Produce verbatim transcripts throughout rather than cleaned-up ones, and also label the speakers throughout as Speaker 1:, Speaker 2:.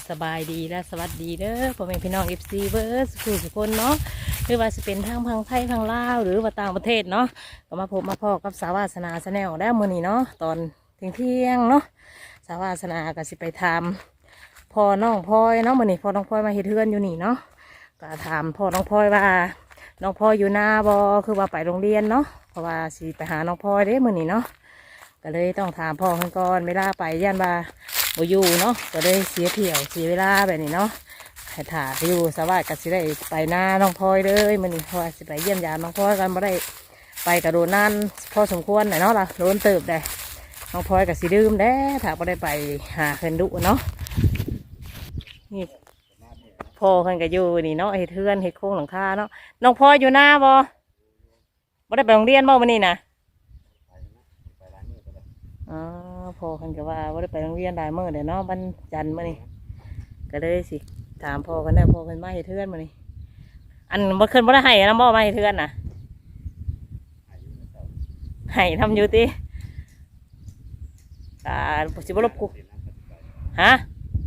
Speaker 1: สบายดีและสวัสดีเด้อพ่อแม่พี่น้อง เอฟ ซี เบิร์ดสุขสุขคนเนาะหรือว่าจะเป็นทางพังไทยพังลาวหรือว่าต่างประเทศเนาะก็มาพบมาพอกับสาวาสนาแนลได้มื้อนี้เนาะตอนเที่ยงเที่ยงเนาะสาวาสนาก็สิไปทำพ่อน้องพลอยเนาะมื้อนี้พ่อน้องพลอยมาเฮ็ดเฮือนอยู่นี่เนาะก็ถามพ่อน้องพลอยว่าน้องพลอยอยู่หน้าบ่คือว่าไปโรงเรียนเนาะเพราะว่าสิไปหาน้องพลอยเด้มื้อนี้เนาะก็เลยต้องถามพ่อเพิ่นก่อนเวลาไปย่านว่าบ่อยู่เนาะก็ได้เสียเที่ยวเสียเวลาแบบนี้เนาะให้ถ่าไปอยู่สวัสดิ์ก็สิได้ไปหน้าน้องพลอยเลยมื้อนี้เพราะว่าสิไปเยี่ยมยามน้องพลอยกันบ่ได้ไปกระโดดนั่นพอสมควรหน่อยเนาะล่ะโดนเติบได้น้องพลอยก็สิดื่มแด้ถ้าบ่ได้ไปหาเพิ่นดุเนาะนี่พ่อเพิ่นก็อยู่นี่เนาะเฮ็ดเฮือนเฮ็ดโครงหลังคาเนาะน้องพลอยอยู่หน้าบ่บ่ได้ไปโรงเรียนบ่มื้อนี้นะอ๋อพ่อเพิ่นก็ว่าบ่ได้ไปโรงเรียนหลายมื้อเด้เนาะวันจันทร์มื้อนี้ก็เลยสิถามพ่อกันได้พ่อเพิ่นมาเฮ็ดเฮือนมื้อนี้อันบ่ขึ้นบ่ได้ให้นำบ่มาเฮ็ดเฮือนน่ะให้ทำอยู่ติอ่าสิบ่รบกูฮะ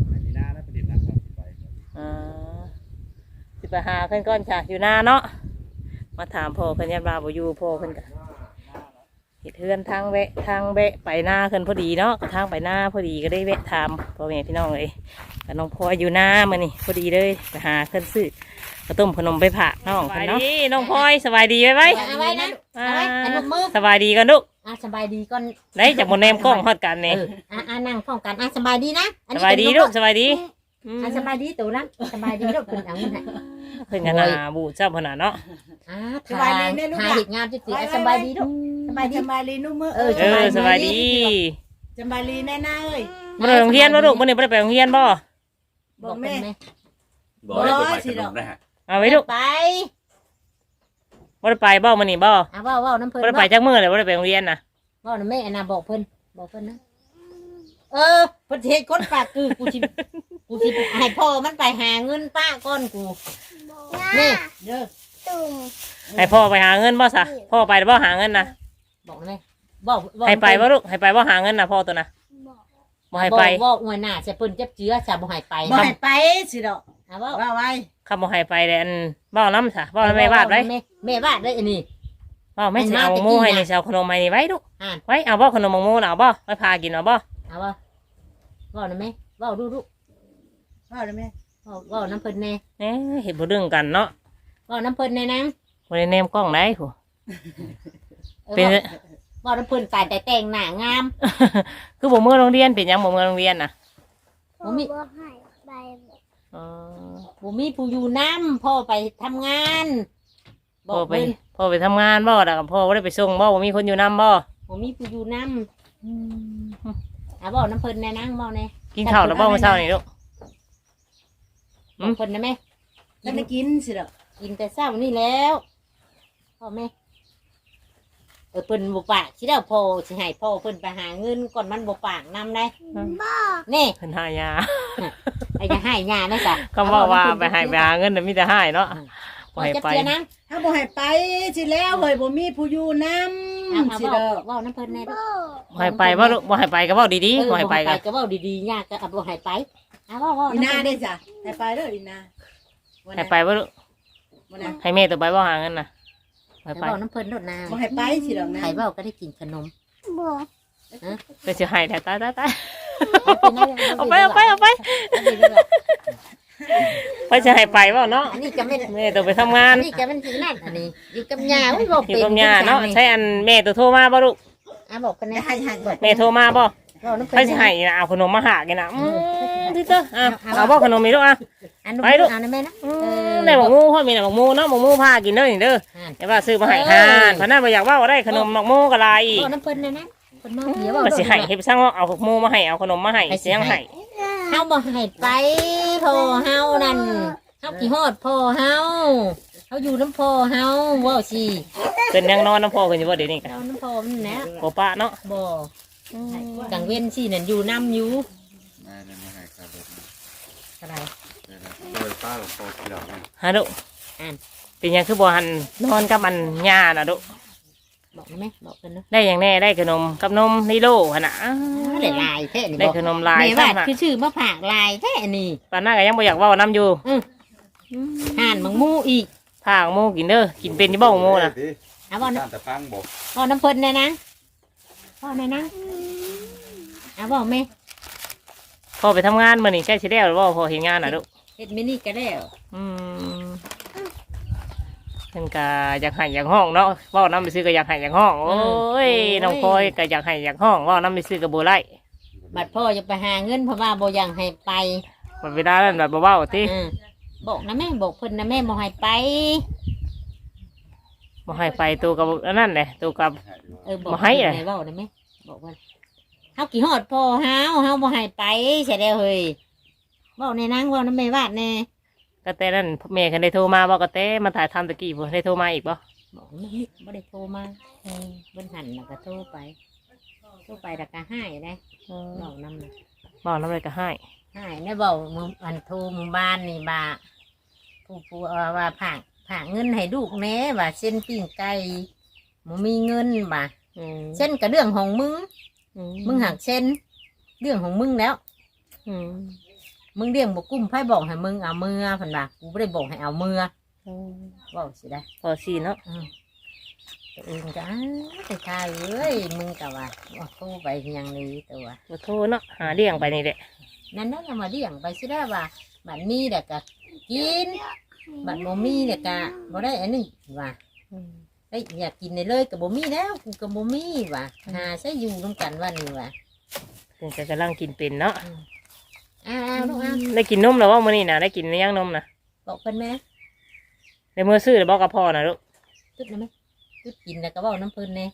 Speaker 1: อ่าสิไปหาเพิ่นก่อนค่ะอยู่หน้าเนาะมาถามพ่อเพิ่นยันว่าบ่อยู่พ่อเพิ่นก็เฮ็ดเฮือนทางแวะทางแวะไปหน้าเพิ่นพอดีเนาะทางไปหน้าพอดีก็ได้แวะถามพ่อแม่พี่น้องเลยกับน้องพลอยอยู่หน้ามื้อนี้พอดีเลยไปหาเพิ่นซื้อกระต้มขนมไปฝากน้องเพิ่นเนาะน้องพลอยสบายดีไว้ไว้
Speaker 2: เอาไว้นะเอาไว้อันนมือ
Speaker 1: สบายดีกันลูก
Speaker 2: อ่ะสบายดีก่อน
Speaker 1: ไหนจับบนแนมกล้องฮอดกันนี่
Speaker 2: อ่ะอ่ะนั่งพร้อมกันอ่ะสบายดีนะ
Speaker 1: สบายดีลูกสบายดี
Speaker 2: อ่ะสบายดีตู่นะสบายดีลูกเพิ่นเอาเงินให้
Speaker 1: เพิ่นกันน่ะบูเจ้าเพิ่นน่ะเนาะ
Speaker 2: อ่ะสบายดีแม่ลูกหาเฮ็ดงานจิตๆสบายดีลูกสบายดี
Speaker 3: สบายดีนุ่มมือ
Speaker 1: เออสบายดี
Speaker 3: สบายดีแน่ๆเอ้ย
Speaker 1: บ่ได้โรงเรียนบ่ลูกมื้อนี้บ่ได้ไปโรงเรียนบ่
Speaker 3: บอกแม่
Speaker 4: บ่ได้ไปขนมได้ฮะ
Speaker 1: เอาไว้ลูก
Speaker 2: ไป
Speaker 1: บ่ได้ไปบ่มื้อนี้บ่
Speaker 2: อ่ะเว้าๆน้ำเพิ่น
Speaker 1: บ่ได้ไปจักมื้อเลยบ่ได้ไปโรงเรียนน่ะ
Speaker 2: เว้านำแม่อันน่ะบอกเพิ่นบอกเพิ่นนะเออเพิ่นเฮ็ดคนปากคือกูสิกูสิให้พ่อมันไปหาเงินป้าก่อนกูนี่เด้อ
Speaker 1: ให้พ่อไปหาเงินบ่ซะพ่อไปบ่หาเงินน่ะ
Speaker 2: บอกแม่บอก
Speaker 1: ให้ไปบ่ลูกให้ไปบ่หาเงินน่ะพ่อตัวน่ะบ่ให้ไป
Speaker 2: บอกอวยหน้าจะเพิ่นเจ็บเจือจะบ่ให้ไป
Speaker 3: บ่ให้ไปสิดอก
Speaker 2: อ่ะเว้า
Speaker 3: ว่าไว้
Speaker 1: คำบ่ให้ไปแดนบ่น้ำซะบ่แม่วาดไว้
Speaker 2: แม่วาดได้อันนี้
Speaker 1: บ่แม่สิเอาหมูให้นี่สิเอาขนมให้นี่ไว้ลูกไว้เอาบ่ขนมหมูน่ะเอาบ่ไว้พากินเอาบ่
Speaker 2: เอาบ่เว้านะแม่เว้าดูลูก
Speaker 3: เว้าได้แม่
Speaker 2: เว้าเว้าน้ำเพิ่นแน่
Speaker 1: เอ๊ะเฮ็ดบ่เรื่องกันเนาะ
Speaker 2: เว้าน้ำเพิ่นแน่นาง
Speaker 1: บ่ได้แนมกล้องได้ผู้
Speaker 2: เป็นเว้าน้ำเพิ่นตายแต่แต่งหน้างาม
Speaker 1: คือบ่มื้อโรงเรียนเป็นหยังบ่มื้อโรงเรียนน่ะ
Speaker 2: บ่มีอ๋อบ่มีผู้อยู่นำพ่อไปทำงาน
Speaker 1: พ่อไปพ่อไปทำงานบ่ล่ะพ่อบ่ได้ไปส่งบ่บ่มีคนอยู่นำบ่
Speaker 2: บ่มีผู้อยู่นำอืมอ่ะเว้าน้ำเพิ่นแน่นางเว้าแน่
Speaker 1: กินข้าวแล้วบ่มื้อเช้านี่ลูก
Speaker 2: อืมเพิ่นนะแม่
Speaker 3: แล้วได้กินสิดอก
Speaker 2: กินแต่เช้านี่แล้วพ่อแม่เออเพิ่นบ่ปากสิแล้วพ่อสิให้พ่อเพิ่นไปหาเงินก่อนมันบ่ปากนำได้บ่นี่
Speaker 1: เพิ่นหายา
Speaker 2: ไอ้จะให้ยานะจ๊ะ
Speaker 1: ก็บอกว่าไปให้ไปหาเงินน่ะมีแต่ให้เนาะบ่ให้ไป
Speaker 3: ถ้าบ่ให้ไปสิแล้วเฮ้ยบ่มีผู้อยู่นำสิดอก
Speaker 2: เว้าน้ำเพิ่นแน่ลูก
Speaker 1: บ่ให้ไปบ่ลูกบ่ให้ไปก็เว้าดีๆบ่ให้ไปก็
Speaker 2: ก็เว้าดีๆยากก็บ่ให้ไปอ่ะเว้าๆ
Speaker 3: อีนาได้จ้ะให้ไปเด้ออีนา
Speaker 1: ให้ไปบ่ลูกให้แม่ตัวไปบ่หาเงินน่ะ
Speaker 2: ให้ไปเว้าน้ำเพิ่นโดดนา
Speaker 3: บ่ให้ไปสิดอกนะ
Speaker 2: ให้เว้าก็ได้กินขนมบ่
Speaker 1: ฮะก็สิให้แต่ตายๆเอาไปเอาไปเอาไปไปจะให้ไปบ่เนาะ
Speaker 2: อันนี้ก็แม่
Speaker 1: แม่ตัวไปทำงาน
Speaker 2: อันนี้ก็มันสินั่นอันนี้อยู่กับย่าบ่บอกเป็น
Speaker 1: อยู่กับย่าเนาะใช่อันแม่ตัวโทรมาบ่ลูก
Speaker 2: อ่ะบอกกันนะให้ๆบอก
Speaker 1: แม่โทรมาบ่ไปสิให้เอาขนมมาหากินน่ะอือที่เด้ออ่ะเอาบ่ขนมนี่ลูกอ่ะ
Speaker 2: ไปลูกเอานะแม่นะ
Speaker 1: เออได้หมกหมูพ่อมีน่ะหมกหมูเนาะหมกหมูพากินเด้อนี่เด้ออย่าว่าซื้อมาให้ทานเพราะนั้นบ่อยากว่าได้ขนมหมกหมูก็หลายอีก
Speaker 2: บ่น้ำเพิ่นน่ะนะเพิ่นมาเดี๋ยวบ่
Speaker 1: ก็สิให้เฮ็ดซังเอาหมกหมูมาให้เอาขนมมาให้เสียงให้
Speaker 2: เฮาบ่ให้ไปพ่อเฮานั่นเฮาขี้ฮอดพ่อเฮาเฮาอยู่น้ำพ่อเฮาเว้าสิ
Speaker 1: เพิ่นยังนอนน้ำพ่อเพิ่นอยู่บ่เดี๋ยวนี้ก็
Speaker 2: นอนน้ำพ่อมันแหละ
Speaker 1: บ่ปะเนาะ
Speaker 2: บ่กลางเว้นสินั่นอยู่นำอยู่
Speaker 4: มาเลยมาให้ครับ
Speaker 2: อะไร
Speaker 4: โดยป้าหลวงพ่อที่เรา
Speaker 1: ฮะลูกเป็นยังคือบ่หันนอนกับมันย่าน่ะลูก
Speaker 2: บอกได้ไหมบอกเพิ่นเนาะ
Speaker 1: ได้อย่างแน่ได้ขนมกับนมนิโลหั่นน่ะอ้า
Speaker 2: ได้ลายแท้นี่
Speaker 1: ได้
Speaker 2: บอก
Speaker 1: ขนมลาย
Speaker 2: แม่ว่า
Speaker 1: ซ้ำน่ะ
Speaker 2: คือชื่อมะผากลายแท้นี่
Speaker 1: ปานนั้นก็ยังบ่อยากเว้านํอยู่
Speaker 2: ห่านมังมูอีก
Speaker 1: พาหมูกินเด้อกินเป็นอยู่บ่หมูน่ะ
Speaker 2: เอาบอก
Speaker 4: ตามแต่พังบอก
Speaker 2: พ่อน้ำเพิ่นเนี่ยนะพ่อเนี่ยนะเอาบอกแม่
Speaker 1: พอไปทำงานมื้อนี้ใกล้สิแล้วหรือบ่พอเฮ็ดงานน่ะลูก
Speaker 2: เฮ็ดมินี่ก็แล้ว
Speaker 1: อืมเพิ่นก็อยากให้อยากห้องเนาะเว้านำไปซื้อก็อยากให้อยากห้องโอ้ยน้องพลอยก็อยากให้อยากห้องเว้านำไปซื้อก็บ่ไล่
Speaker 2: บัดพ่อจะไปหาเงินเพราะว่าบ่อยังให้ไป
Speaker 1: บัดเวลานั้นบัดบ่เว้าติ
Speaker 2: อืมบอกนะแม่บอกเพิ่นนะแม่บ่ให้ไป
Speaker 1: บ่ให้ไปตัวกับอันนั้นแหละตัวกับ
Speaker 2: เออบอก
Speaker 1: บ่ให้เลย
Speaker 2: เพิ่นเว้าได้ไหมบอกว่าเฮากี่ฮอดพ่อเฮาเฮาบ่ให้ไปใช่แล้วเฮ้ยเว้าในนางเว้านำแม่วาดแน่
Speaker 1: ก็แต่นั้นแม่คันได้โทรมาบ่ก็แต่มาถ่ายทำตะกี้บ่ได้โทรมาอีกบ่
Speaker 2: บอกแม่บ่ได้โทรมาเออเพิ่นหันแล้วก็โทรไปโทรไปแล้วก็ให้ได้บอกนำน่ะ
Speaker 1: บ่นำเลยก็ให้
Speaker 2: ใช่เนี่ยบอกมึงอันโทรหมึงบ้านนี่บ่าผู้ผู้เอาว่าผ่างผ่างเงินให้ลูกแหน่ว่าเส้นปิ้งไก่มึงมีเงินบ่า
Speaker 1: อืม
Speaker 2: เส้นกับเรื่องของมึง
Speaker 1: อื
Speaker 2: มึงหักเส้นเรื่องของมึงแล้ว
Speaker 1: อืม
Speaker 2: มึงเลี้ยงบกุ้มไพ่บอกให้มึงเอามือผันบ่ากูไม่ได้บอกให้เอามือบอกสิได้
Speaker 1: พอสิเนาะ
Speaker 2: อืมตัวเองก็อ้าวไปทายเอ้ยมึงกะว่าว่าโทรไปอยังนี้ตัว
Speaker 1: บ่โทรเนาะหาเลี้ยงไปนี่แหละ
Speaker 2: นั่นนั่นเอามาเลี้ยงไปสิได้ว่าบัดมีเด็กก็กินบัดบ่มีเด็กก็บ่ได้อันนี้ว่า
Speaker 1: อืม
Speaker 2: ได้อยากกินได้เลยกับบ่มีแล้วกูกับบ่มีว่ะหาใช้อยู่ร่วมกันว่านี่ว่ะ
Speaker 1: เพิ่นก็กำลังกินเป็นเนาะ
Speaker 2: อ้าวลูกอ้าว
Speaker 1: ได้กินนมแล้วว่ามื้อนี้น่ะได้กินหรือยังนมน่ะ
Speaker 2: บอกเพิ่นแม่
Speaker 1: ได้มื้อซื้อแล้วบ่กับพ่อน่ะลูก
Speaker 2: ตึ๊ดนะแม่ตึ๊ดกินแล้วก็เว้าน้ำเพิ่นแน่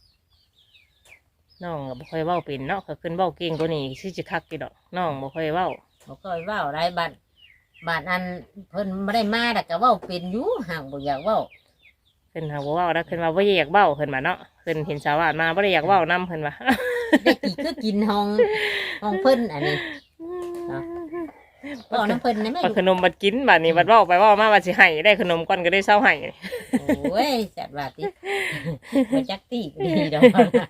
Speaker 1: น้องก็บ่ค่อยเว้าเป็นเนาะก็ขึ้นเว้าเก่งกว่านี้สิสิคักอยู่ดอกน้องบ่ค่อยเว้า
Speaker 2: บ่ค่อยเว้าได้บัดบัดอันเพิ่นบ่ได้มาแล้วก็เว้าเป็นอยู่ห่างบ่อยากเว้า
Speaker 1: เพิ่นหาบ่เว้าแล้วเพิ่นว่าบ่อยากเว้าเพิ่นว่าเนาะเพิ่นเห็นสาวาดมาบ่ได้อยากเว้านำเพิ่นว่า
Speaker 2: ได้กี่คือกินห้องห้องเพิ่นอันนี้เว้าน้ำเพิ่นนะแม่
Speaker 1: เอา
Speaker 2: ลูก
Speaker 1: ขนมบัดกินบัดนี้บัดเว้าไปเว้ามาบัดสิให้ได้ขนมก่อนก็ได้เซาให้
Speaker 2: โอ้ยจัดว่าติบ่จักตีก็ดีดอก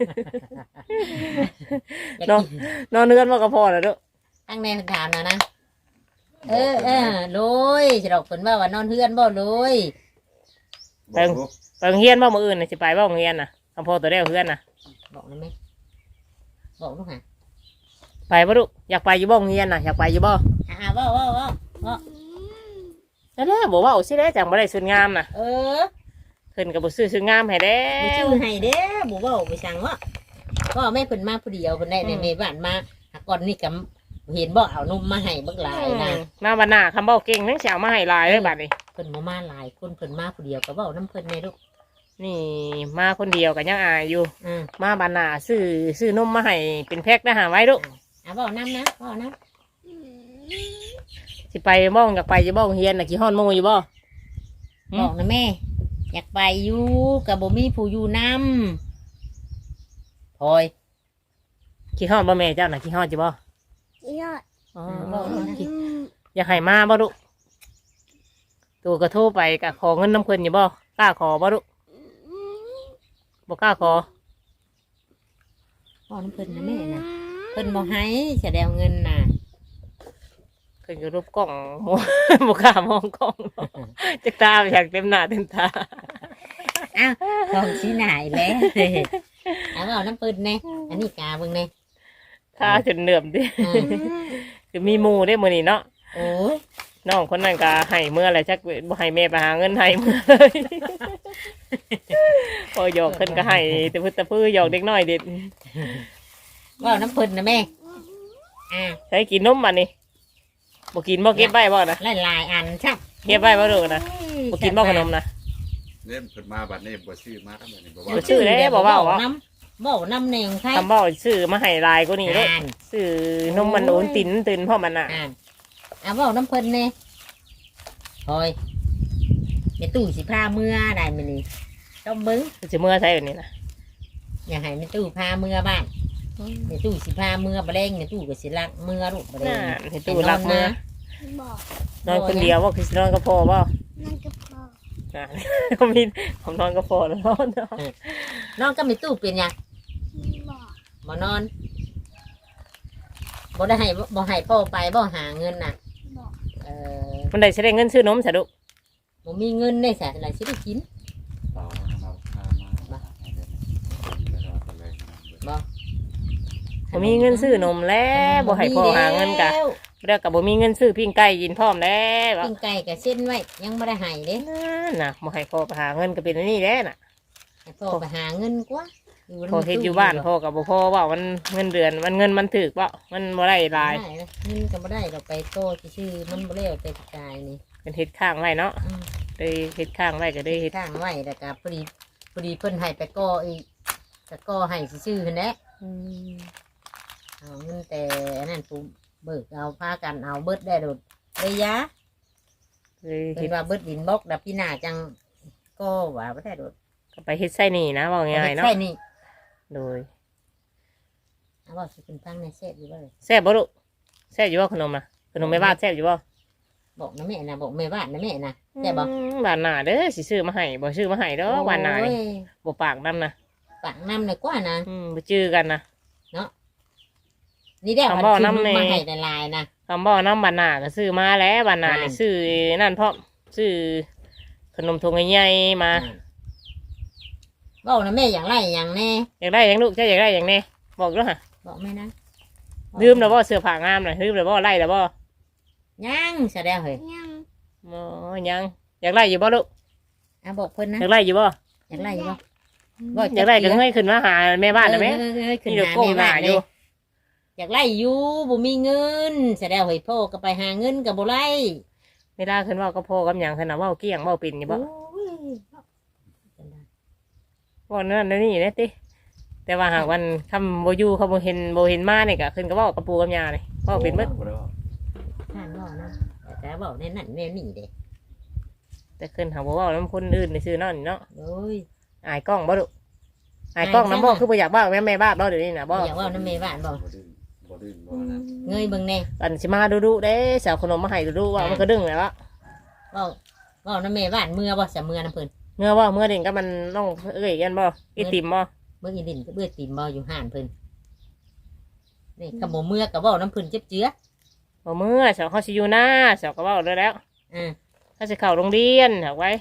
Speaker 2: อยาก
Speaker 1: เนาะ
Speaker 2: กิน
Speaker 1: นอนเนือนบ่กับพ่อน่ะเด้อ
Speaker 2: ตั้งแน่ถามนะนะ เออเออโรยจะดอกผลว่าว่านอนเฮือนบ่โรย
Speaker 4: บอกลูก
Speaker 1: ไปโรงเรียนบ่มื้ออื่นน่ะสิไปบ่โรงเรียนน่ะกับพ่อตัวเดียวเฮือนน่ะ
Speaker 2: บอกนะแม่บอกลูกหะ
Speaker 1: ไปบ่ลูกอยากไปอยู่บ่โรงเรียนน่ะอยากไปอยู่บ่
Speaker 2: อ่าว่าว่าว่าว่า
Speaker 1: นั่นแหละบ่เว้าสิได้จังบ่ได้สุดงามน่ะ
Speaker 2: เออ
Speaker 1: เพิ่นก็บ่ซื้อสุดงามให้แล้
Speaker 2: บ่ชื่
Speaker 1: ว
Speaker 2: อให้เด้บ่เว้าไปสั่งว่าก็แม่เพิ่นมาผู้เดียวเพิ่นได้ใน
Speaker 1: อืม
Speaker 2: แม่บ้านมาหาก่อนนี่ก็เห็นบ่เอานมมาให้บักหลายนะ
Speaker 1: มาบัดหน้าคำเว้าเก่งนังสิเอามาให้หลายเลยบัดนี้
Speaker 2: เพิ่นบ่มาหลายคนเพิ่นมาผู้เดียวก็เว้านํเพิ่นแน่ลูก
Speaker 1: นี่มาคนเดียวก็ยังอายอยู่
Speaker 2: อือ
Speaker 1: มาบัดหน้าซื้อซื้อนมมาให้เป็นแพ็คนะหาไว้ลูก
Speaker 2: อ่ะเว้านํนะเว้านํ
Speaker 1: สิไปบ่อยากไปอยู่บ่โรงเรียนน่ะกี่ฮ้อนโมอยู่บ่ อืม
Speaker 2: บอกนะแม่ อยากไปอยู่ก็บ่มีผู้อยู่นํพลอย
Speaker 1: กี่ฮ้อนบ่แม่เจ้าน่ะกี่ฮ้อนจิบ่
Speaker 5: ยอด
Speaker 1: อ๋อ
Speaker 2: บอกลูกนะ
Speaker 1: อยากให้มาบ่ลูกตัวก็โทรไปก็ขอเงินน้ำเพิ่นอยู่บ่กล้าขอบ่ลูกบ่กล้าขอ
Speaker 2: พ่อน้ำเพิ่นนะแม่นะเพิ่นบ่ให้แสดงเงินน่ะ
Speaker 1: เพิ่นก็รูปกล้อง บ่กล้ามองกล้องจักตาอยากเต็มหน้าเต็มตา
Speaker 2: อ้าวของสีหนายแล้วเอาเอาน้ำเพิ่นแน่อันนี้กาเบิ่งแน่
Speaker 1: ตาจนเหนื่อมดิ
Speaker 2: อ่า
Speaker 1: คือมีหมู่ได้มื้อนี้เนาะ
Speaker 2: โอ้ย
Speaker 1: น้องคนนั้นก็ให้เมื่อไรจักบ่ให้แม่ไปหาเงินให้เมื่อเลยพอหยอกเพิ่นก็ให้แต่พึ่ตะพื้อหยอกเด็กน้อยเด็ด
Speaker 2: ว่าน้ำเพิ่นนะแม่อ่า
Speaker 1: ใช้กินนมบัดนี้บ่กินบ่เก็บไว้บ่นะ
Speaker 2: หลายๆอันชับ
Speaker 1: เก็บไว้บ่ลูกนะบ่กินบ่ขนมนะ
Speaker 4: เล่นเพิ่นมาบัดนี้บ่ซื้อมาทั้งหมดนี่บ่
Speaker 1: บ่
Speaker 4: ว่า
Speaker 1: ชื่อเด้บ่เว้า
Speaker 2: น้ำบ่น้ำเนงไทย
Speaker 1: คำบ่ซื้อมาให้ลายกว่านี้เด้
Speaker 2: อ่าน
Speaker 1: ซื้อนมมันโอนตินตินพ่อมันน่ะ
Speaker 2: อ่านเอาว่าน้ำเพิ่นแน่พลอยในตู้สิพาเมื่อได้มื้อนี้ต้องเบิ่ง
Speaker 1: สิเมื่อใช้แบบนี้นะ
Speaker 2: อย่าให้ในตู้พาเมื่อบ้านในตู้สิพาเมื่อบ่แรงในตู้ก็สิลักเมื่อลูกบ่แร
Speaker 1: น่ะ
Speaker 2: ง
Speaker 1: เห็นตู้รักเมื่อ
Speaker 5: บอก
Speaker 1: นอนคนเดียวว่าคือสินอนกับพ่อบ่
Speaker 5: นั่นก็พอ
Speaker 1: อ่า ผมมีผมนอนก็พอแล้วนอนเนาะ
Speaker 2: น้องก็มีตู้เป็นหยังบ่นอนบ่ได้ให้บ่ให้พ่อไปบ่หาเงินน่ะเออ
Speaker 1: มันได้ใช้ได้เงินซื้อนมสะดุ
Speaker 2: บ่มีเงินได้แสนอะไรสิได้กิน
Speaker 4: ต่อเราพามาให้เดินไปรอดเลยนะ
Speaker 2: บ่
Speaker 1: บ่มีเงินซื้อนมแล้วบ่ให้พ่อหาเงินกะ
Speaker 2: แล้ว
Speaker 1: แล้วก็บ่มีเงินซื้อปิ้งไก่กินพร้อมแล้ว
Speaker 2: ปิ้งไก่ก็เส้นไว้ยังบ่ได้ให้เด้
Speaker 1: นั่นน่ะบ่ให้พ่อไปหาเงินก็เป็นอันนี้แหละน่ะ
Speaker 2: ให้พ่อไปหาเงินกว่า
Speaker 1: พ่อเฮ็ดอยู่บ้านพ่อก็บ่พอว่ามันเงินเดือนมันเงินมันถึกว่ามันบ่ได้หลาย
Speaker 2: ได้นะเงินก็บ่ได้ดอกไปโตชื่อๆมันบ่แล้วแต่กายนี่
Speaker 1: เป็นเฮ็ดข้างไว้เนาะ
Speaker 2: อืม
Speaker 1: เลยเฮ็ดข้างไว้ก็ได้เฮ็ด
Speaker 2: ข้างไว้แล้วก็พอดีพอดีเพิ่นให้ไปก่ออีกก็ก่อให้ซื่อๆหั่นแหละ
Speaker 1: อืม
Speaker 2: เอาเงินแต่อันนั้นปุ๊บเบิกเอาพากันเอาเบิดได้โดดได้ยะ
Speaker 1: เลย
Speaker 2: เป็
Speaker 1: เฮ็ด
Speaker 2: นว่าเบิดดินบล็อกดับพี่นาจังก็ว่าบ่ได้โดด
Speaker 1: ก็ไปเฮ็ดไส้หนี่นะว่าง่ายๆเนาะ
Speaker 2: ใช่นี่
Speaker 1: โดย
Speaker 2: เอาว่าสิเป็นตั้งในเซฟอยู่บ่เลย
Speaker 1: แซ่บบ่ลูกแซ่บอยู่บ่ขนมน่ะขนมแม่บ้านแซ่บอยู่บ่
Speaker 2: บอกนะแม่นะบอกแม่บ้านนะแม่นะแต่บอก
Speaker 1: อืมบ้านหน้าเด้อสิซื้อมาให้บ่ซื้อมาให้ดอกบ้านหน้านี่
Speaker 2: โอ้ย
Speaker 1: บ่ปากนำนะ
Speaker 2: ปากน้ำเลยกว่านะ
Speaker 1: อืมบ่จื้อกันนะ
Speaker 2: นี่ได้
Speaker 1: คำบอก
Speaker 2: ซื้
Speaker 1: น้ำใน
Speaker 2: มาให้ในลายๆนะ
Speaker 1: คำบ่น้ำบ้านหน้าก็ซื้อมาแล้วบ้านหน้านี่
Speaker 2: อ่า
Speaker 1: ซื้อนั่นพร้อมซื้อขนมถุงใหญ่ๆมา
Speaker 2: บอกนะแม่อย่างไรอย่างแน่
Speaker 1: อยากได้หยังลูกเจ้าอยากได้หยังแน่บอกด้วยฮะ
Speaker 2: บอกแม่นะ
Speaker 1: ลืมแล้วบ่เสื้อผ้างามน่ะลืมแล้วบ่ไล่แล้วบ่
Speaker 2: ยังแสดงเหรอ
Speaker 1: บ่ยังอยากไล่อยู่บ่ลูก
Speaker 2: อ่ะบอกเพิ่นนะ
Speaker 1: อยากไล่อยู่บ่
Speaker 2: อยากไล่อยู่บ่
Speaker 1: อยากไล่ก็เงยขึ้นมาหาแม่บ้านได้ไหม
Speaker 2: เออเออเออขึ้น
Speaker 1: นี่เดี๋ยว
Speaker 2: หา
Speaker 1: ก้ม
Speaker 2: แม่
Speaker 1: ห
Speaker 2: บ้า
Speaker 1: น้าน อ
Speaker 2: เล
Speaker 1: ยู่
Speaker 2: ยอยากไล่อยู่บ่มีเงินแสดงเฮ้ยพ่อก็ไปหาเงินกับบ่ไล่
Speaker 1: เวลาขึ้นเว่าก็พอกับหยังขึ้นน่ะเว้าเกี้ยงเว้าปิ่นอยู่บ่
Speaker 2: โอ้ย
Speaker 1: เว่านั่นนั่นนี่นะติแต่ว่าหากวันคำบ่อยู่เขาบ่เห็นบ่เห็นมานี่ก็ขึ้นก็เว้ากับปู่กับย่านี่เว้าเป็นเบิด
Speaker 2: ท่านบอกนะแต่บอกในนั่นแนวนี่เด้
Speaker 1: แต่ขึ้นหาบ่เว้านํคนอื่นในซื่อนั่นนี่เนาะ
Speaker 2: โอ้ย
Speaker 1: อายกล้องบ่ลูกอายกล้องนำบ่คือบ่อยากเว้าแม่แม่บ้านบ่เดี๋ยวนี้น่ะบ่
Speaker 2: อยากว่าน้ำเมบ้านบอก
Speaker 4: บ่ดื้อบ่ดื้อบ่นะ
Speaker 2: เงยเบิ่งแน่
Speaker 1: อันสิมาดุๆเด้สาวขนมมาให้ดุๆว่ามันก็ดึงแล้วอะ
Speaker 2: ว่าว่าน้ำเมบ้านเมื่อบ่สะเมื่อน้ำเพิ่น
Speaker 1: เมื่อว่าเมื่อเด่นก็มันน้องเอ้ยกันบ่อีติมบ่
Speaker 2: เมื่อกินดินก็เบื่อตีมบ่อยู่ห่านเพิ่นนี่ขโมเมื่อกับว่าน้ำเพิ่นเจ็บเจือ
Speaker 1: บ่เมื่อสาวเขาสิอยู่หน้าสาวก็เว้าเลยแล้ว
Speaker 2: อ่า
Speaker 1: เขาสิเข้าโรงเรียนเอาไว้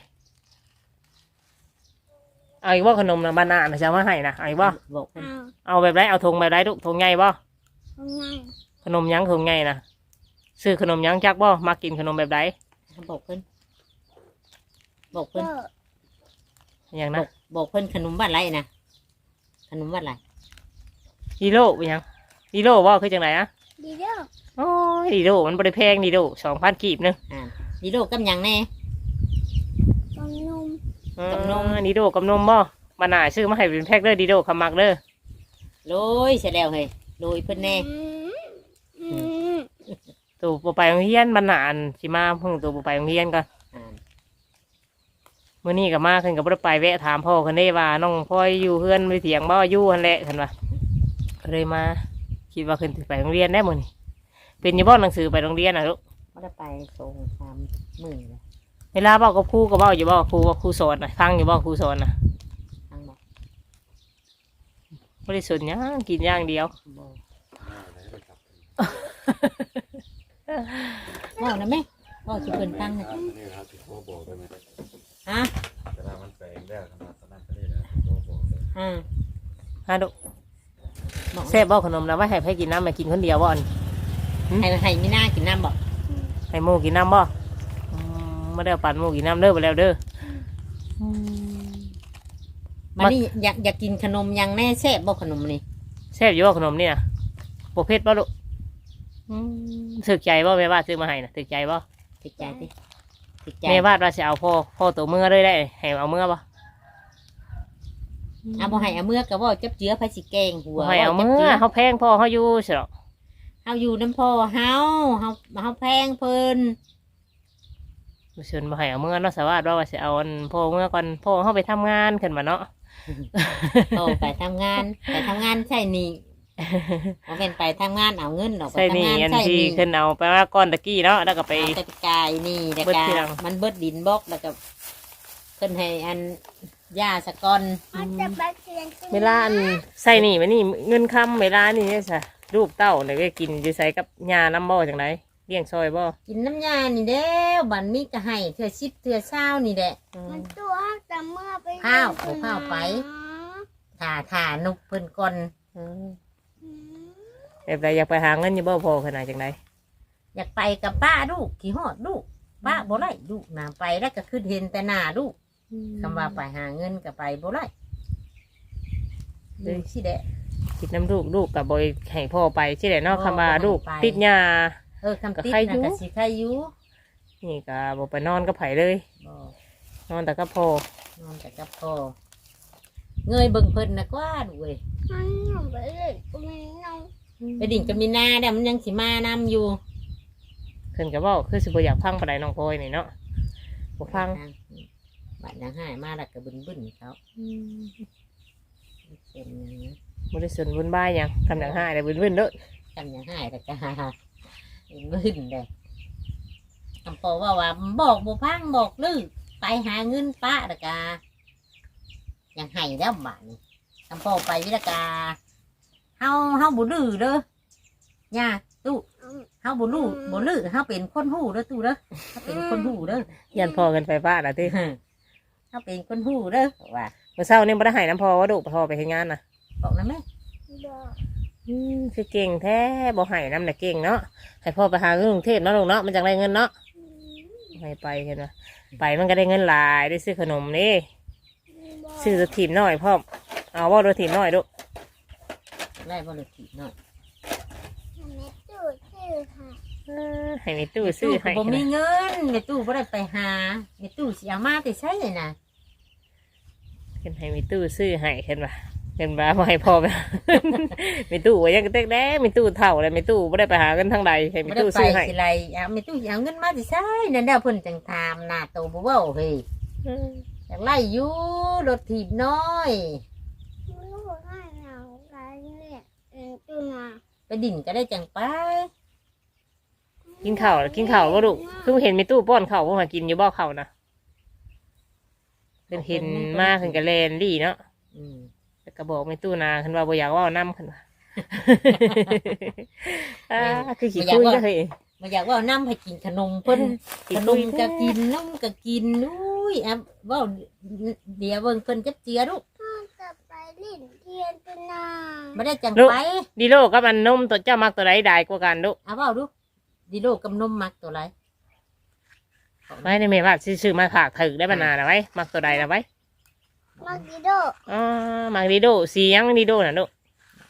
Speaker 1: เอาอีกว่าขนมน่ะบานาน่ะจะเอามาให้นะเอาอีกว่า
Speaker 2: บอกเพิ่น
Speaker 1: เอาแบบไรเอาธงแบบไรลูกธงใหญ่บ่ขนมหยังธงใหญ่น่ะซื้อขนมหยังจักบ่มากินขนมแบบไร
Speaker 2: บอกเพิ่นบอกเพิ่น
Speaker 1: อย่าง
Speaker 2: บ
Speaker 1: นะ
Speaker 2: อกบอกเพิ่นขนมบ้านไรนะขนมบ้านไร
Speaker 1: ดีโลเป็นหยังดีโลบ่คือจังไรอะ
Speaker 5: ดีเด้อ
Speaker 1: โอ้ยดีโลมันบ่ได้แพงดีโลสองพันกีบหนึง
Speaker 2: อ่าดีโลกับหยังแน่
Speaker 5: กองนม
Speaker 2: กับนม
Speaker 1: อ่าดีโดกับนมบ่บานาซื้อมาให้เป็นแพ็คเด้อดีโดคำมักเด้อ
Speaker 2: โรยเสร็จแล้วเฮ้ยโรยเพิ่นแน่
Speaker 5: อืมอืม
Speaker 1: ตัวบ่ไปโรงเรียนบานาอันสิมาเพิ่งตัวบ่ไปโรงเรียนก่อน
Speaker 2: อ่า
Speaker 1: มื้อนี้ก็มาขึ้นก็บ่ได้ไปแวะถามพ่อเพิ่นได้ว่าน้องพ่อยอยู่เฮือนไปเถียงบ่อยู่หั่นแหละเพิ่นว่าก็เลยมาคิดว่าขึ้นสิไปโรงเรียนได้มื้อนี้เป็นอยู่บ่หนังสือไปโรงเรียนน่ะลูก
Speaker 2: ไม่ได้ไปส่งสามมื้อเลย
Speaker 1: เวลาเว้ากับครูก็เว้าอยู่บ่ครูว่าครูสอนน่ะฟังอยู่บ่ครูสอนน่ะ
Speaker 2: ทั้งบอก
Speaker 1: บ่ได้สนหยังกินอย่างเดียว
Speaker 2: บอกบอกนะแม่บอกจะเพิ่นตั้งนะ
Speaker 4: นี่ครับที่เขาบอกได้ไหม
Speaker 2: ฮะ
Speaker 4: เวลามันแปลงแล้วขนาดนั้นก็ได้นะเขาบอกเลย
Speaker 2: อ่า
Speaker 1: ฮะลูก
Speaker 2: บอก
Speaker 1: แซ่บบ่ขนมนะไว้ให้ไผกินน้ำมากินคนเดียวบ่อัน
Speaker 2: ให้ให้มีหน้ากินน้ำบอก
Speaker 1: ให้หมูกินน้ำบ่อืมไม่ได้เอาปั่นหมูกินน้ำเด้อไปแล้วเด้ออ
Speaker 2: มันนี่อยากอยากกินขนมยังแน่แซ่บบอกขนมนี่
Speaker 1: แซ่บอยู่บ่ขนมนี่นะโปรเภทบ่ลูกอืมถึกใจบ่แม่บ้านซื้อมาให้นะถึกใจบ่
Speaker 2: ติดใจสิติดใจ
Speaker 1: แม่บ้านว่าสิเอาพ่อพ่อตัวเมื่อเลยได้ให้เอาเมื่อบ่
Speaker 2: เอาบ่ให้เอาเมื่อกับว่าจับเจือไผสิแกงหัว
Speaker 1: ให้เอาเมื่อเขาแพงพ่อเขาอยู่สิหรอก
Speaker 2: เฮาอยู่น้ำพ่อเฮาเฮาเฮาแพงเพิ่น
Speaker 1: ชวนบ่ให้เอาเมื่อเนาะสวัสดิ์ว่าว่าสิเอาอันพ่อเมื่อก่อนพ่อเขาไปทำงานขึ้นมาเนาะ
Speaker 2: โตไปทำงานไปทำงานใช่นี่เอาเป็นไปทำงานเอาเงินออกไป
Speaker 1: ใช่
Speaker 2: ทำ
Speaker 1: นี่
Speaker 2: งาน
Speaker 1: อัน
Speaker 2: ใช่
Speaker 1: ที่
Speaker 2: นี่
Speaker 1: ขึ้นเอาไปว่าก้อนตะกี้เนาะแล้วก็ไป
Speaker 2: เอาแต่กายนี่แต่
Speaker 1: เบิด
Speaker 2: กา
Speaker 1: ทีหลัง
Speaker 2: มันเบิดดินบล็อกแล้วก็เพิ่นให้อันยาสะกอน
Speaker 5: มันจะไปเรียนที่
Speaker 1: เวลาอันใส่นี่มันนี่เงินคำเวลานี่เนี่ยจ้ะลูกเต้าเนี่ยก็กินจะใส่กับยาน้ำบ่อจังไรเลี้ยงซอยบ่
Speaker 2: กินน้ำยานี่เด้วบันมีก็ให้เถื่อชิบเถื่อเศร้านี่แหละ
Speaker 1: อืม
Speaker 5: มันตัวแต่เมื่อไป
Speaker 2: ข้าวเอาข้าวไป ถ่าถ่านุกเพิ่นก่อน
Speaker 1: อืม
Speaker 5: อืม
Speaker 1: แบบไรอยากไปหาเงินอยี่บ่พอขนาดจังไร
Speaker 2: อยากไปกับป้าลูกขี่หอดลูกป้าบ่ไล่ลูกนาไปแล้วก็ขึ้นเห็นแต่หน้าลูกคำว่าไปหาเงินก็ไปบ่ไล่เลยสิแดะ
Speaker 1: คิดน้ำลูกลูกกับบอยให้พ่อไปใช่ไหมเนาะ
Speaker 2: พ่อ
Speaker 1: คำว่าลูก
Speaker 2: บ่ให้ไป
Speaker 1: ติดยา
Speaker 2: เออคำติด
Speaker 1: ก็ใครอยู่
Speaker 2: นะก็สิใครอยู่
Speaker 1: นี่ก็บอไปนอนก็ไผเลย
Speaker 2: บ่
Speaker 1: นอนแต่ก็พ่อน
Speaker 2: อนแต่กับพ่อเงยเบิ่งเพิ่นนะกว่าดูเว้ย
Speaker 5: มันหนูไปเล่นกูไม่น้อง
Speaker 2: ไปดิ่งกับมีนาเดี๋ยวมันยังสิมานำอยู่
Speaker 1: ขึ้นกับว่าคือสิบอยากพังปานใดน้องพลอยนี่เนาะบ่พัง
Speaker 2: บัดยังหายมาแล้วก็บึนบึนๆเขาเป็นหยังนะ
Speaker 1: บริสุทธิ์บุญบ้ายหยังทำอย่างห้าได้บุญบุญเด้อ
Speaker 2: กันยังหายแล้วก็บึนบึนๆเลยคำพอว่าว่าบอกบุพังบอกลือไปหาเงินป้าแล้วก็ยังให้แล้วบ้านนี้คำพอไปวิลกาเฮาเฮาบุลือเด้อย่าตู้เฮาบุลือบุลือเฮาเป็นคนหู้เด้อตู้เด้อเฮาเป็นคนหู้เด้อ
Speaker 1: ยันพอกันไฟฟ้าละที่
Speaker 2: เฮาเป็นคนหู้เด้อว่า
Speaker 1: เมื่อเช้านี่บ่ได้ให้น้ำพอว่าดุพอไปเฮ็ดงานน่ะ
Speaker 2: บอกนะแม่
Speaker 5: บอก
Speaker 1: อืมคือเก่งแท้บ่ให้น้ำน่ะเก่งเนาะให้พ่อไปหาเงินกรุงเทพเนาะลูกเนาะมันจังได้เงินเนาะให้ไปเห็นไหมไปมันก็ได้เงินหลายได้ซื้อขนมนี่
Speaker 5: บอก
Speaker 1: ซื้อรถถีบหน่อยพ่อมเอาว่ารถถีบหน่อยลูก
Speaker 2: ไล่บริทีหน่อย
Speaker 5: แม่ตู้ชื่อค่ะ
Speaker 1: เออให้มีตู้ซื้อให้
Speaker 2: ผมมีเงินในตู้บ่ได้ไปหาในตู้เสียมาแต่ใช่นะ
Speaker 1: เห็นให้มีตู้ซื้อให้เห็นปะเห็นปะบ่ให้พ่อไป มีตู้ไว้ยังกระเตกแด้มีตู้เท่าเลยมีตู้ไม่ได้ไปหาเงินทางใดให้มี
Speaker 2: บ่ได้
Speaker 1: ตู้
Speaker 2: ไป
Speaker 1: ซื้อให้
Speaker 2: สิไรเอาในตู้เอาเงินมาแต่ใช่นั่นเด้อเพิ่นจังทามหน้าโตบ่เว้าเฮ้ย
Speaker 1: อืม
Speaker 2: อยากไล่อยู่รถถีบน้อย
Speaker 5: ลูกให้เราการเนี่ยเออตู้นา
Speaker 2: ไปดิ่นก็ได้จังไป
Speaker 1: กินข้าวกินข้าวก็ลูกคือเห็นมีตู้ป้อนข้าวว่ามากินอยู่บ่ข้าวนะเป็นเห็นมากขึ้นกับแลนดีเนาะ
Speaker 2: อืม
Speaker 1: แต่ก็บอกมีตู้นาขึ้นว่าบ่อยากเว่าน้ำขึ้นว่า อ่าคือขี้คุยก็เคย
Speaker 2: บ่อยากเว่าน้ำให้กินขนมเพิ่น
Speaker 1: ขี้
Speaker 2: ขน
Speaker 1: คุย
Speaker 2: มก็กินนมก็กินอุ้ยอ่ะเว้าเดี๋ยวเบิ่งเพิ่นจับเจือลูก
Speaker 5: พ่อจะไปเล่นเทียนตู้นา
Speaker 2: บ่ได้จังไป
Speaker 1: ดีโลกับมันนมตัวเจ้ามักตัวใดได้กว่ากันลูก
Speaker 2: เอาเว้าดูดิโลกับนมมักตัวไร
Speaker 1: ไว้ในเมว่าซื้อมาขากถือได้บรรณานะไว้มักตัวใดนะไว้
Speaker 5: มากิโด
Speaker 1: อ๋อมักดีโดสีหยังดีโดน่ะลูก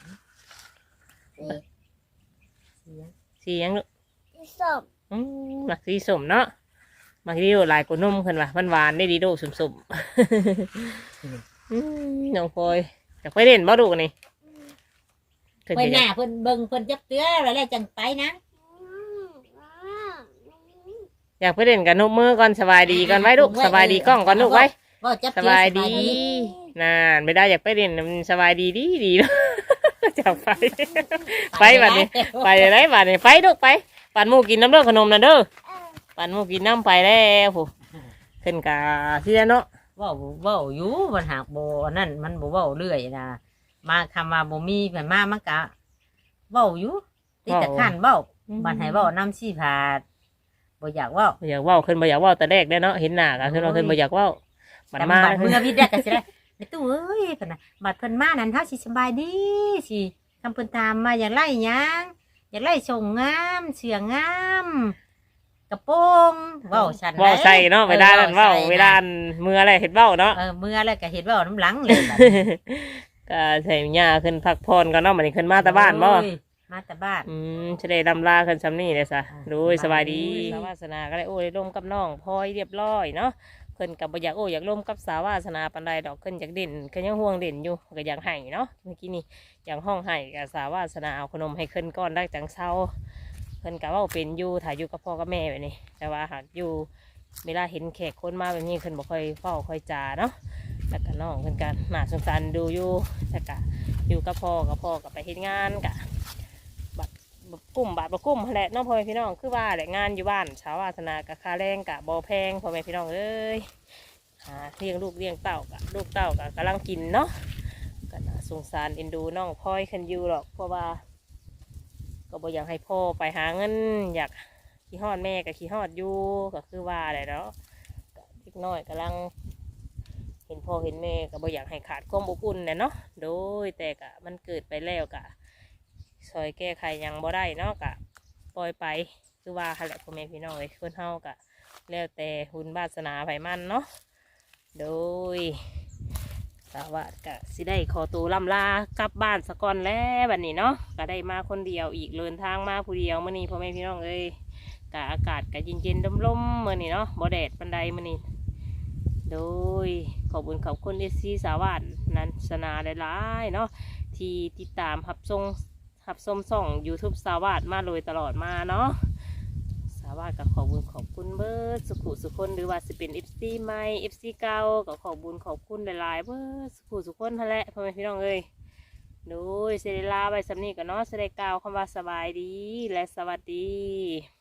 Speaker 1: สีหยังลูก
Speaker 5: ที่ส้ม
Speaker 1: อืมมักสีสมเนาะมักดีโดหลายกว่านุ่มขึ้นว่ะมันหวานได้ดีโดสมสมๆอืมน้องพลอยอยากไปเล่นบ่ดูกนี่เพิ่น
Speaker 2: เพิ่น
Speaker 1: จะ
Speaker 2: หน้าเพิ่นเบิ่งเพิ่นจับเตือแล้วแล้วจังไปนะ
Speaker 5: อืมอ่า
Speaker 1: อยากไปเล่นกับนกมือก่อนสบายดีก่อนไว้ลูกสบายดีกล้องก่อนลูกไว้
Speaker 2: ว่าจับ
Speaker 1: ส
Speaker 2: เตือบ
Speaker 1: ายดีนานไม่ได้อยากไปเล่นมันสบายดีดีดีเนาะ จะไป ไปบัดนี้ ไปเลยบัดนี้ไปลูกไปปั่นหมูกินน้ำเด้อขนมน่ะเด้อ
Speaker 5: เออ
Speaker 1: ปั่นหมูกินน้ำไปแล้วผู้ขึ้นกาที่เนาะ
Speaker 2: เว้าเว้าอยู่มันหากบ่อันนั่นมันบ่เว้าเรื่อยนะมาคำว่าบ่มีเพิ่นมามันก็เว้าอยู่ติดแต่ขันเว้าบัดให้เว้าน้ำซี่ผาดบ่อยากเว้า
Speaker 1: บ่อยากเว่าขึ้นบ่อยากเว่าแต่แรกได้อเนาะเห็นหน้ากันขึ้นเราขึ้นบ่อยากเว่าบัด
Speaker 2: แต่
Speaker 1: มา
Speaker 2: บัดเมื่อวิทย์ได้ก็สิได้ในตู้เอ้ยเพิ่นน่ะบัดเพิ่นมานั้นเฮาสิสบายดีสิคำเพิ่นถามมาอยากไล่หยังอยากไล่ส่งงามเสืองามกระโปรงเว้าฉัน
Speaker 1: เว่าใส่เนาะเวลานั้นเว่าเวลามืออะไรเห็ดเว้าเนาะ
Speaker 2: เออเมื่อแล้วก็เห็นเว้าน้ำหลังเลยบัด
Speaker 1: ก็ใส่หญ้าขึ้นพักพรก่อนเนาะมันนี้ขึ้นมาแต่บ้านบ่
Speaker 2: โอ้ยมาแต่บ้าน
Speaker 1: อืมจะได้ดำลาขึ้นซ้ำนี่เลยซะ
Speaker 2: อ่า
Speaker 1: ดูสบายดี
Speaker 2: สบายดี
Speaker 1: สาวาสนาก็ได้โอ้ยร่มกับน้องพลอยเรียบร้อยเนาะเพิ่นกับบ่อยากโอ้อยากร่มกับสาวาสนาปานใดดอกขึ้นอยากเด่นขึ้นยังห่วงเด่นอยู่ก็อยากให้เนาะเมื่อกี้นี่อยากห้องให้กับสาวาสนาเอาขนมให้ขึ้นก้อนได้จังเช้าเพิ่นกับว่าเป็นอยู่ถ่ายอยู่กับพ่อกับแม่แบบนี้แต่ว่าหากอยู่เวลาเห็นแขกคนมาแบบนี้เพิ่นบ่ค่อยเฝ้าค่อยจาเนาะแล้วก็น้องเพิ่นกันน่าสงสารดูอยู่แต่ก็อยู่กับพ่อกับพ่อกับไปเฮ็ดงานกะ กลุ่มบาทบ่กลุ่มแหละน้องพ่อแม่พี่น้องคือว่าแหละงานอยู่บ้านชาววาสนากับค่าแรงกับบอแพงพ่อแม่พี่น้องเอ้ยเฮหาเลี้ยงลูกเลี้ยงเต่ากะลูกเต่ากะกำลังกินเนาะก็น่าสงสารเอ็นดูน้องพลอยคันอยู่หรอกเพราะว่าก็บ่อยากให้พ่อไปหาเงินอยากขี้ฮอดแม่กับขี้ฮอดอยู่ก็คือว่าอะไรเนาะก็เล็กน้อยกำลังเห็นพ่อเห็นแม่ก็บ่อยากให้ขาดความอบอุ่นเนี่ยเนาะโดยแต่กะมันเกิดไปแล้วกะซอยแก้ไขยังบ่ได้เนาะกะปล่อยไปคือว่าหั่นแหละพ่อแม่พี่น้องเอ้ยคนเฮากะแล้วแต่บุญวาสนาไผมันเนาะโดยสวัสดิ์กะสิได้ขอตัวล่ำลากลับบ้านสะก่อนแล้วบัดนี้เนาะก็ได้มาคนเดียวอีกเดินทางมาผู้เดียวมื้อนี้พ่อแม่พี่น้องเอ้ยกะอากาศกะเย็นๆลมๆมื้อนี้เนาะบ่แดดปานใดมื้อนี้โดยขอบคุณขอบคุณเอซีสาวัสดิ์นันสนาหลายๆเนาะที่ติดตามรับชมรับชมส่อง YouTube สาวัสดิ์มาโดยตลอดมาเนาะสาวัสดิ์ก็ขอบคุณขอบคุณเบิร์ดสุขุสุคนหรือว่าสิเป็น เอฟ ซี ใหม่ เอฟ ซี เก่าก็ขอบคุณขอบคุณหลายๆเบิร์ดสุขุสุคนนั่นแหละพ่อแม่พี่น้องเอ้ยโดยเซเดลาไปสำนีกันเนาะเสได็จกล่าวคำว่าสบายดีและสวัสดี